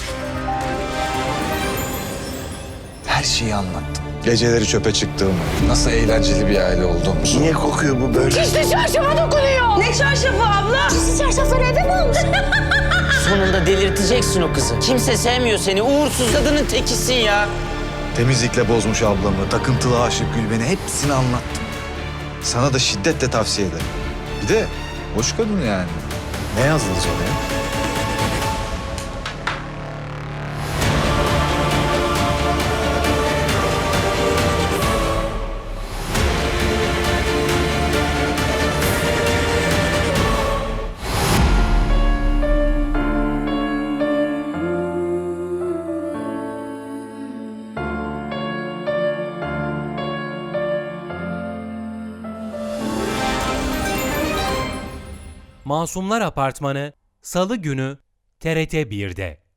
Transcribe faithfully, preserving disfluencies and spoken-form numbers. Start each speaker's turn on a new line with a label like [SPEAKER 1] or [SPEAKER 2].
[SPEAKER 1] Her şeyi anlattım. Geceleri çöpe çıktığımı, nasıl eğlenceli bir aile olduğumuzu.
[SPEAKER 2] Niye kokuyor bu böyle?
[SPEAKER 3] İşte çarşafa dokunuyor. Ne çarşafı abla? Siz çarşafları evde mi aldın?
[SPEAKER 4] Sonunda delirteceksin o kızı. Kimse sevmiyor seni. Uğursuz kadının tekisin ya.
[SPEAKER 1] Temizlikle bozmuş ablamı, takıntılı aşık Gülben'i hepsini anlattım. Sana da şiddetle tavsiye ederim. Bir de hoş kadın yani. Ne yazdınız oraya?
[SPEAKER 5] Masumlar Apartmanı Salı günü T R T bir'de.